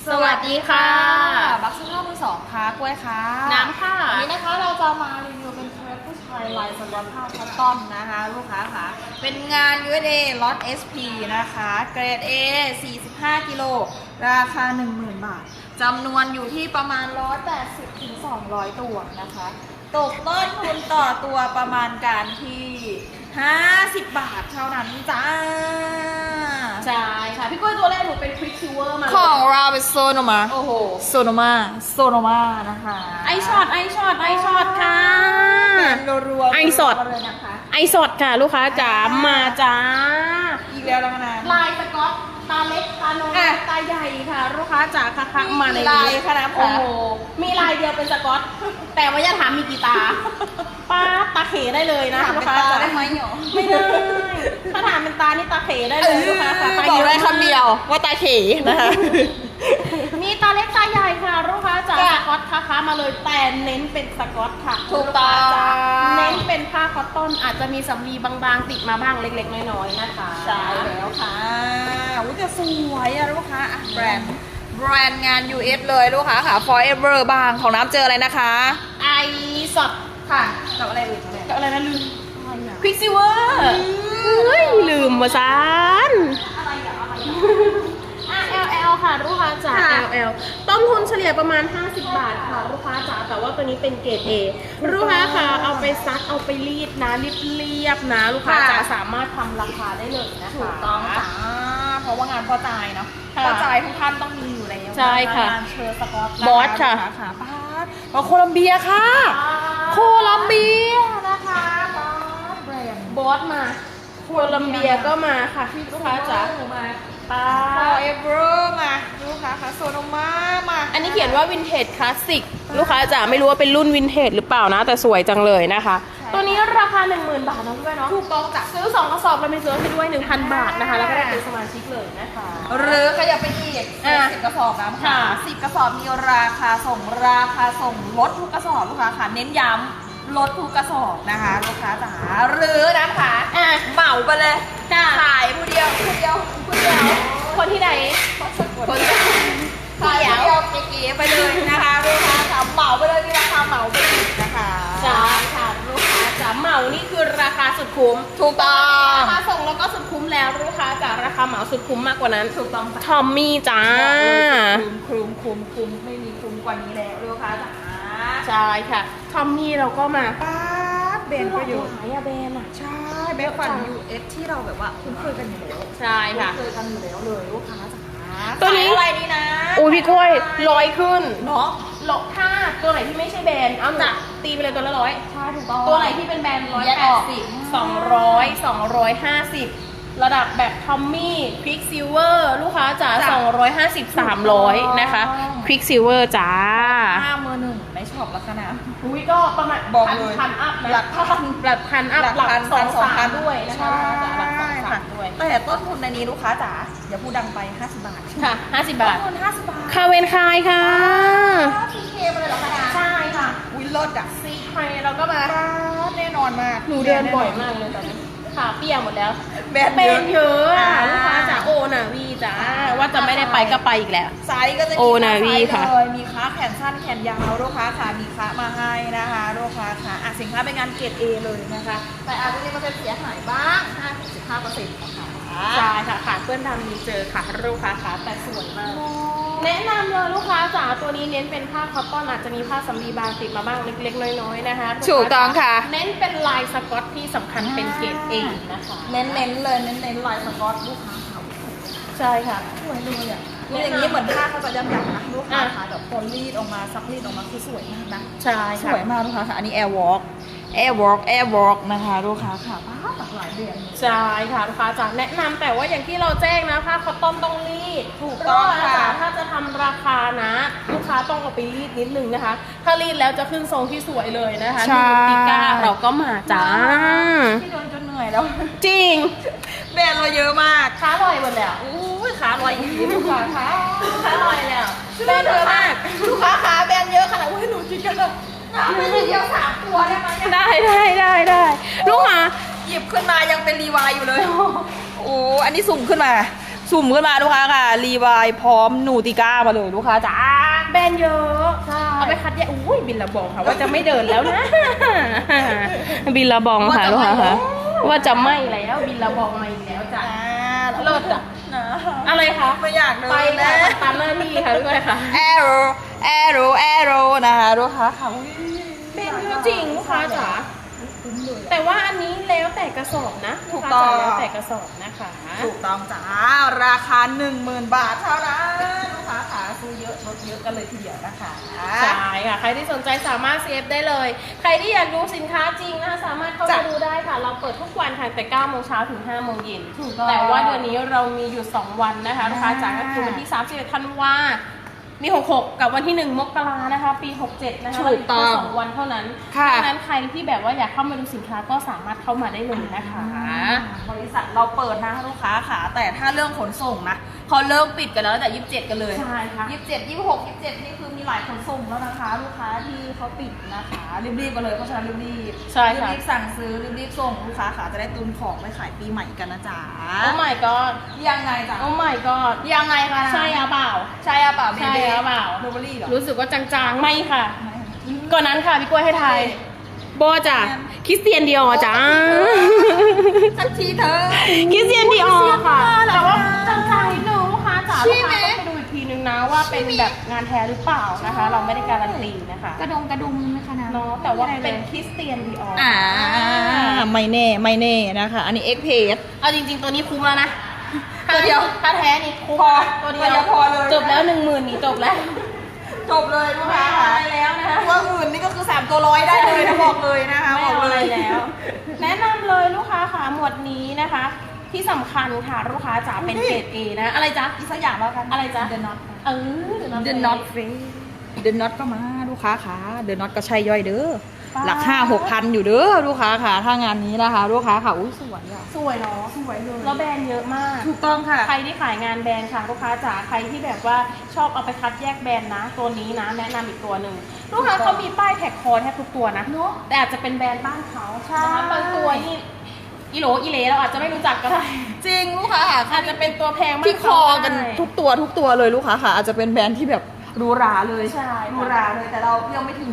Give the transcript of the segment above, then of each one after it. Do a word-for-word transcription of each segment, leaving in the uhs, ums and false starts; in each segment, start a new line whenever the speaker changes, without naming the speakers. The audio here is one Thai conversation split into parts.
สวัสดีค่ะบักซ์ข้าวมือสองค่ะกล้วยค่ะ
น้ำค่ะ
วันนี้นะคะเราจะมารีวิวเป็นเทรนผู้ชายลายสก๊อตผ้าคัสตอมนะคะลูกค้าค่ะเป็นงาน ยู เอส เอ ล็อต เอส พี นะคะเกรด A สี่สิบห้ากิโลราคา หนึ่งหมื่น บาทจำนวนอยู่ที่ประมาณ หนึ่งร้อยแปดสิบถึงสองร้อย ตัวนะคะตกต้นทุนต่อตัวประมาณการที่ห้าสิบบาทเท่านั้นจ้า
ใช่ค่ะพี่กล้วยตัวแรกหนูเป็นควิกซิลเวอร์มา
ของเราเป็นโซโนมา
โอ้โห
โซโนมาโซโนมานะคะ
ไอช็อตไอช็อตไอช็อตค่ะ
รัวๆ
ไอสด
เลยนะคะ
ไอสดค่ะลูกค้าจ๋ามาจ้า
อีกแล้วแล้วนะ
ลายสก๊อตตาเล็กตาน้อยตาใหญ่ค่ะลูกค้าจ๋าค่ะค่ะมาใน
ลายขนาด
โอ้โหมีลายเดียวเป็นสก๊อตแต่ว่าอย่าถามมีกี่ตาป้าตาเขได้เลยนะลูกค้าจ๋า
ได้ไหมหรอ
ไม่ได้ถ้าถามเป็นตานี่ตาเขได้เลยลูกค้าค่ะ
บอกได้คำเดียวว่าตาเขนะคะ
มีตาเล็กตาใหญ่ค่ะลูกค้าจ๋าสก๊อตค่ะมาเลยแต่เน้นเป็นสก๊อตค่ะ
ถูกต้อง
เน้นเป็นผ้าคอตตอนอาจจะมีสำลีบางๆติดมาบ้างเล็กๆน้อยๆนะคะ
ใช่แล้วค่ะอุ้ยจะสวยอะลูกค้าแบรนด์แบรนด์งาน ยู เอส เลยลูกค้าค่ะ Forever บางของน้ำเจออะไรนะคะ
ไอสด
ค่ะกับอะไรอื่น
กับอะไรนะลืมควิกซิเวอร์เฮ้ยลืมมาซาน
อะไรอะอะไร
อ่ะ แอล แอล ค่ะลูกค้าจ๋า แอล แอล ต้นทุนเฉลี่ยประมาณห้าสิบบาทค่ะลูกค้าจ๋าแต่ว่าตัวนี้เป็นเกรด A ลูกค้าค่ะเอาไปซักเอาไปรีดนะเรียบๆนะลูกค้าจ๋าสามารถทำราคาได้เลยนะคะ
ถูกต้องจ้าเพราะว่างานพ่อจ่ายเนาะพ่อจ่ายทุกท่านต้องมีอยู่แล้ว
ใช่ค่ะ
งานเชอร์สกอต
บอสค่ะ
ค่ะป้าโคลัมเบียค่ะโคลัมเบียนะคะบอสแบรนด์
บอสมาโคลัมเบียก็มาค่ะลูกค้าจ๋า
มาป้า Forever มาลูกค้าค่ะโซโนมามา
อันนี้เขียนว่าวินเทจคลาสสิกลูกค้าจ๋าไม่รู้ว่าเป็นรุ่นวินเทจหรือเปล่านะแต่สวยจังเลยนะคะตัวนี้ราคา หนึ่งหมื่น บาทนะพี่เนาะ
ถูกต้องจ้ะ
ซื้อสองกระสอบเรามีซื้อให้ด้วย หนึ่งพัน บาทนะคะแล้วก็ได้เป็นสมาชิกเลยนะคะ
หรือขยับไปอีกสิบกระสอบนะค่ะสิบกระสอบมีราคาส่งราคาส่งลดทุกกระสอบลูกค้าค่ะเน้นย้ำลดทุกกระสอบนะคะลูกค้าจ๋าหรือนะคะเหมาไปเลยขายผู้เดียวผู้เดียวผู้เดียว
คนที่ไหน
คนขายผู้เดียวเก๋ๆไปเลยนะคะลูกค้าจ๋าเหมาไปเลยที่ราคาเหมาไปอีกนะคะ
จ้าค่ะลูกค้าจ๋าเหมานี่คือราคาสุดคุ้ม
ถูกต้อง
ราคาส่งแล้วก็สุดคุ้มแล้วลูกค้าจ๋าราคาเหมาสุดคุ้มมากกว่านั้น
ถูกต้อง
ทอมมี่จ้า
คุ้มคุ้มคุ้มไม่มีคุ้มกว่านี้แล้วลูกค้าจ๋า
ใช่ค่ะทอมมี่เราก็มา
ป้าเบนก็อยู่
หายอะเบนอะ
ใช่เบนฟัน ยู เอส ที่เราแบบว่าคุ้นเคยกันอยู่แล้ว
ใช่ค่ะ
คุ้นเคยกันอยู่แล้วเลยลูกค้าจ๋า
ตัวนี้
อะไรดีนะ
อุ้ยพี่กล้วยร้อยขึ้น
เนาะ
หลบถ้าตัวไหนที่ไม่ใช่แบรนด์เอาหนักตีไปเลยตัวละร้อย
ใช่ถูกต้อง
ตัวไหนที่เป็นแบรนด์ร้อยแปดสิบสองร้อยสองร้อยห้าสิบระดับแบบทอมมี่ควิกซิลเวอร์ลูกค้าจ๋าสองร้อยห้าสิบ สามร้อยนะคะควิกซิลเวอร์จ้า
ห้ามือหนึ่งในช็อปลักษณะ
อุ้ยก็ประมาณ
บอกเลย
พันอัพนะ
หลักพัน
หลักพันอัพหลักสองสามด้วยนะคะหลักสองสามด้วย
แต่ต้นทุนในนี้ลูกค้าจ๋าอย่าพูดดังไปห้าสิบบาท
ค่ะห้าสิบบาท
ต้นทุนห้าสิบบาท
คาเวนคายค่ะ
ซีเคมาเลยเหรอคะ
ใช่ค่ะ
วิลลดอะ
ซีเคเราก็มา
แน่นอนมาก
หนูเดินบ่อยมากเลยตอนนี้ขาเปียกหมดแล้ว
แบน
เยอะอ่ะลูกค้าจ๋าโอนาวีจ้าว่าจะไม่ได้ไปก็ไปอีกแล้ว
ไซส์ก็จะมี
โอนาวีค่ะ
มีค้าแขนสั้นแขนยาวลูกค้าค่ะมีค้ามาให้นะคะลูกค้าค่ะอ่ะสินค้าเป็นงานเกรด A เลยนะคะแต่อาจจะมีเปอร์เซ็นต์เสียหายบ้าง ห้าถึงสิบห้าเปอร์เซ็นต์ นะคะ
ใช่ค่ะขาเพื่อนดำมีเจอค่ะลูกค้าค่ะแต่สวยมากแนะนำเลยลูกค้าจ๋าตัวนี้เน้นเป็นผ้าคอตตอนอาจจะมีผ้าสำลีบางติดมาบ้างเล็กๆน้อยๆนะคะ
ถูกต้องค่ะ
เน้นเป็นลายสก๊อตที่สำคัญเป็นเกรด A นะคะ
เน้นๆเลยเน้นๆลายสก๊อตลูกค้าเขา
ใช่ค่ะ
สวยเลยอ่ะอย่างนี้เหมือนผ้าเขาจะย้ำๆนะลูกค้าค่ะแบบพอรีดออกมาซักรีดออกมาคือสวยมากนะ
ใช่
สวยมากลูกค้าค่ะอันนี้ Air Walk Air Walk Air Walk นะคะลูกค้าค่ะผ้าหลากหลายแบรนด์
ใช่ค่ะลูกค้าจ๋าแนะนำแต่ว่าอย่างที่เราแจ้งนะผ้าคอตตอนต้องรีด
ถูกต้องค่ะ
ถ้าจะทำราคานะลูกค้าต้องเอาไปรีดนิดนึงนะคะถ้ารีดแล้วจะขึ้นทรงที่สวยเลยนะคะ
ดู
ติก้าเราก็มาจ้า
ที่โดนจนเหนื่อยแล้ว
จริง
แบรนด์เราเยอะมาก
ค้าลอยหมดแล้ว
อู้ขาลอยอีกลูกค้าค่ะ
ค้าลอยแล้ว
แบรนด์เยอะมากลูกค้าขาแบรนด์เยอะขนาดว่าหนูคิดกันเลยน้ำไม่ได้เดียวสามตัวได้ไหม
ได้ได้ได้ได้ลูกค้า
หยิบขึ้นมายังเป็นรีวายอยู่เลยโอ้อันนี้สุ่มขึ้นมาสุ่มขึ้นมาลูกค้าค่ะรีวายพร้อมนูติก้ามาเลยลูกค้าจ้า
แบรนด์เยอะ
ใช่
เอาไปคัดแยกอุ้ยบินละบองค่ะว่าจะไม่เดินแล้วนะ บินละบองค่ะลูกค้าค่ะว่าจะไม่แล้วบินละบองมาอีกแล้วจ้ะเลิศอ่ะ
นะ
อะไรคะ
ไม่อยากเดิน
ไป
แล้
แล้ว วตามหน้าที่ค่ะด้วยค่ะ
แอโรแอโรแอโรนะคะลูกค้าค่ะอุ๊ย
เป็นเยอะจริงลูกค้าจ๋าแต่ว่าอันนี้แล้วแต่กระสอบนะ
ถูกต้อง
ลูค้าจ๋าแล้วแต่กระสอบนะคะ
ถูกต้องจ้าราคาหนึ่งหมื่นบาทเท่านั้นลูกค้าขาซื้อเยอะลดเยอะกันเลยทีเดียวนะคะ
ใช่ค่ะใครที่สนใจสามารถ ซี เอฟ ได้เลย ใครที่อยากดูสินค้าจริงนะคะสามารถเข้ามาดูได้ค่ะ เราเปิดทุกวันค่ะแต่เก้าโมงเช้าถึงห้าโมงเย็น
ถูกต้อง
แต่ว่าเดือนนี้เรามีอยู่สองวันนะคะลูกค้าจ๋าก็คือวันที่สามสิบเอ็ดธันวามีหกสิบหกกับวันที่หนึ่งมกรานะคะ ปีหกสิบเจ็ดนะคะ
ถูกต้อง
เรามีแค่สองวันเท่านั้น
ค่ะ
ดังนั้นใครที่แบบว่าอยากเข้ามาดูสินค้าก็สามารถเข้ามาได้เลยนะคะ
บริษัทเราเปิดนะลูกค้าขาแต่ถ้าเรื่องขนส่งนะเขาเริ่มปิดกันแล้วแต่ยี่สิบเจ็ดกันเลย
ใช่ค่ะ
ยี่สิบเจ็ดยี่สิบหกยี่สิบเจ็ดนี่คือมีหลายขนส่งแล้วนะคะ ลูกค้าที่เขาปิดนะคะรีบๆกันเลยเพราะฉะนั้นรีบๆ
ใช่ค่ะ
รีบๆสั่งซื้อรีบๆส่งลูกค้าขาจะได้ตุนของไปขายปีใหม่กันนะจ๊ะ
โอ้ my god
ยังไงจ๊ะ
โอ้ my god
ยังไงคะ
ใช่หรือเปล่า
ใช่อะเปล่าเบ
ใช่
เบ้
หรือเปล่า
โรเบอรี่เหรอ
รู้สึกว่าจางๆ ไม่ค่ะ ก่อนนั้นค่ะพี่กล้วยให้ทายโบจ้ะคริสเตียนดิออจ้า
สักทีเธอ
คริสเตียนดิออค่ะ
เหรอ
แต่ว่าจางๆนิดนึงลูกค้าจ๋า
ใช่
ลูก
ไหม
ค้าต้องไปดูอีกทีนึงนะว่าเป็นแบบงานแท้หรือเปล่านะคะ เราไม่ได้การันตีนะคะ
กระดงกระดุมไหมคะนะ
เนาะแต่ว่าเป็นคริสเตียนดิออ
อ่าไม่แน่ไม่แน่นะคะ อันนี้เอ็กเพส
เอาจริงๆตัวนี้คุ้มแล้วนะ
ตัวเดียว
ถ้าแท้นี่คุ้ม
พอ
ตัวเดี
ตัวเดียวพอเลย
จบแล้วหนึ่งหมื่นนี่จบแล้ว
จบเลยลูกค้าค่ะ
ไม่เอาอะไรแล้วนะคะ
ตัวอื่นนี่ก็คือสามตัวร้อยได้เลยนะบอกเลยนะคะ
ไม่
บอก
เอา
เล
อะไร
ย
แล้ว แนะนำเลยลูกค้าค่ะหมวดนี้นะคะ ที่สำคัญค่ะลูกค้าจ๋าเป็นเกรด A นะอะไรจ๊ะ
อีกสักอย่างแล้วกัน
อะไรจ๊ะ
เดนน็อต
เออ
เดนน็อตเฟเดนน็อตก็มาลูกค้าค่ะเดนน็อตก็ใช่ย่อยเด้อ
ป๊า
หลักห้าหกพันอยู่เด้อลูกค้าค่ะถ้างานนี้นะคะลูกค้าค่ะอุ้ยสวยอ่ะ
สวยเนาะ
สวยเลย
แล้วแบรนด์เยอะมาก
ถูกต้องค่ะ
ใครที่ขายงานแบรนด์ค่ะลูกค้าจ๋าใครที่แบบว่าชอบเอาไปคัดแยกแบรนด์นะ ตัวนี้นะ แนะนำอีกตัวหนึ่งลูกค้าเขามีป้ายแท็กคอแทบทุกตัวนะ
เนอะ
แต่อาจจะเป็นแบรนด์บ้านเขา
ใช่
นะคะบางตัวนี่อีโหลอีเหลเราอาจจะไม่รู้จักก็ได้
จริงลูกค้าค่ะ
อาจจะเป็นตัวแพงมาก
ที่คอกันทุกตัวทุกตัวเลยลูกค้าค่ะ อาจจะเป็นแบรนด์ที่แบบหรูหราเลย
ใช่
หรูหราเลยแต่เรายังไม่ถึง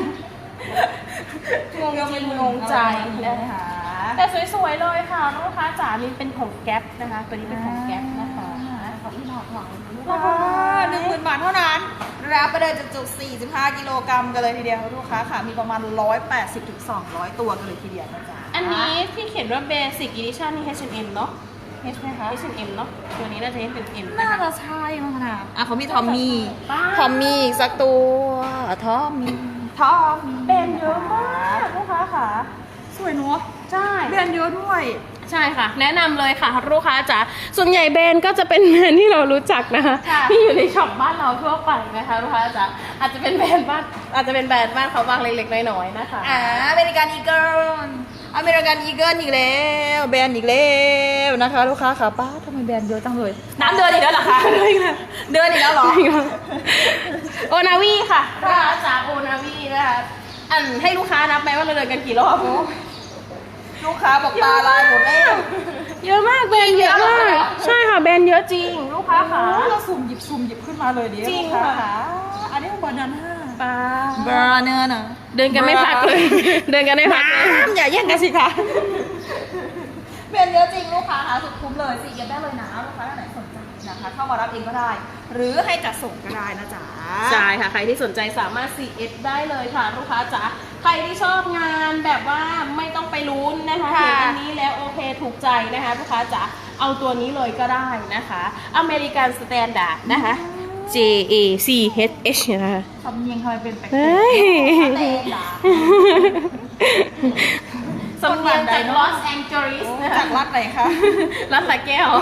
งงจริงงงใจ
นะคะ
แต่สวยๆเลยค่ะลูกค้าจ๋านี่เป็นของแก๊ปนะคะ ตัวนี้เป็นของแก๊ปนะคะ
ขอบคุณหลากหลายราคาหนึ่งหมื่นบาทเท่านั้นรับไปเลยจุกๆสี่สิบห้ากิโลกรัมกันเลยทีเดียวลูกค้าค่ะ มีประมาณหนึ่งร้อยแปดสิบถึงสองร้อยตัวกันเลยทีเดียวนะจ๊ะ
อันนี้ที่เขียนว่า Basic Edition นี่ H แอนด์ M เนาะ H ไหมคะ H แอนด์ M เนาะตัวนี้น่าจะเป็น M
น่า
นะคะ
จะใช่มั้งนะอ่ะเขามีทอมมี่
ป้า
ทอมมี่อีกสักตัวทอมมี่ทอมมี่
แบรนด์เยอะมากลูกค้าค่ะ
สวยเนาะ
ใช่
แบรนด์เยอะด้วย
ใช่ค่ะ แนะนำเลยค่ะลูกค้าจ๋าส่วนใหญ่แบรนด์ก็จะเป็นแบรนด์ที่เรารู้จักนะคะ
ค่ะ
ที่อยู่ในช็อปบ้านเราทั่วไปนะคะลูกค้าจ๋าอาจจะเป็นแบรนด์บ้านอาจจะเป็นแบรนด์บ้านเขาบ้างเล็กๆน้อยๆนะคะ
อ่าอเมริกันอีเกิลอเมริกันอีเกิลอีกแล้วแบรนด์อีกแล้วนะคะ ลูกค้าค่ะป้าทำไมแบรนด์เยอะจังเลย น้ำเดินอีกแล้วเหรอคะเดินอีกแล้วเหรอ
โอนาวีค่ะลูกค้าจ๋าโอนาวีนะคะอันให้ลูกค้านับไหมว่าเราเดินกันกี่รอบ
ลูกค้าบอกตาลายหมดแล้ว
เยอะมากแบรนด์เยอะมาก ใช่ค่ะแบรนด์เยอะจริง ลูกค้าค่ะ
เราสุ่มหยิบสุ่มหยิบขึ้นมาเลยดิ
จริง
ลูกา
ค่ะ
อันนี้ของบานาน่า
ป้า
บานาน่า
เดินกันไม่พักเลย เดินกันไม่พักเลย
น้ำอย่าแย่งกันสิคะแบรนด์เยอะจริงลูกค้าค่ะสุดคุ้มเลยสิเก็บได้เลยนะลูกค้าท่านไหนสนใจนะคะเข้ามารับเองก็ได้ หรือให้จัดส่งก็ได้นะจ๊ะ
ใช่ค่ะ ใครที่สนใจสามารถ ซี เอส ได้เลยค่ะ ลูกค้าจ๋าใครที่ชอบงานแบบว่าไม่ต้องไปลุ้นนะคะ
ค่ะ
เห็นอันนี้แล้วโอเคถูกใจนะคะ ลูกค้าจ๋าเอาตัวนี้เลยก็ได้นะคะอเมริกันสแตนดาร์ดนะคะ J A C H H นะคะ
สำเนียงทำไมเป็นแปลก
เฮ้ย
ๆแต่ด่า
สำเนียงจากลอสแองเจลิสนะคะ
จากรัฐไหนคะ
รัฐสระแก้ว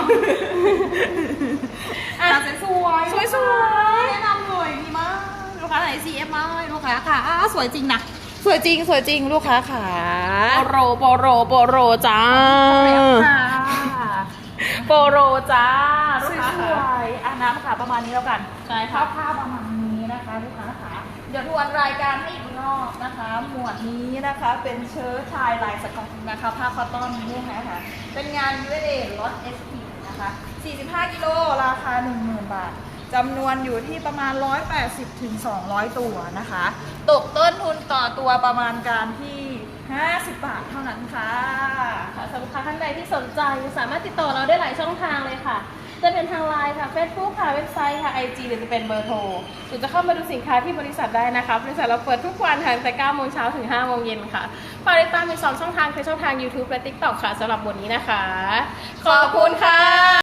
อ่ะสวยสวย
สวยๆ
แนะนำเลยดีมากลูกค้าไหน ซี เอฟ มาเลยลูกค้าค่ะอ่ะสวยจริงนะสวยจริงสวยจริงลูกค้าค่ะ
โปโรโปโรโปโรจ้า
ค่ะ
โปโรจ้า
ส
ลูกค้า
วย
ค่ะ
ๆอ่ะน้ำค่ะประมาณนี้แล้วกัน
ใช่
คร่
ค่ะ
าวๆประมาณนี้นะคะลูกค้าค่ะเดี๋ยวทวนรายการให้อีกรอบนะคะ หมวดนี้นะคะเป็นเชิ้ตชายลายสก๊อตนะคะผ้าคอตตอนลูกค้าค่ะเป็นงาน ยู เอส เอ ล็อต เอส พี นะคะสี่สิบห้ากิโลราคา หนึ่งหมื่น บาทจำนวนอยู่ที่ประมาณ หนึ่งร้อยแปดสิบถึงสองร้อย ตัวนะคะ ตกต้นทุนต่อตัวประมาณการที่ ห้าสิบบาทเท่านั้นค่ะ
ค่ะสำหรับลูกค้าท่านใดที่สนใจสามารถติดต่อเราได้หลายช่องทางเลยค่ะ จะเป็นทางไลน์ค่ะ Facebook ค่ะ เว็บไซต์ค่ะ ไอ จี หรือจะเป็นเบอร์โทรหรือจะเข้ามาดูสินค้าที่บริษัทได้นะคะบริษัทเราเปิดทุกวันค่ะตั้งแต่เก้าโมงเช้าถึงห้าโมงเย็นค่ะฝากติดตามอีกสองช่องทางคือช่องทาง YouTube และ ติ๊กต็อก ค่ะสำหรับวันนี้นะคะ ขอบคุณค่ะ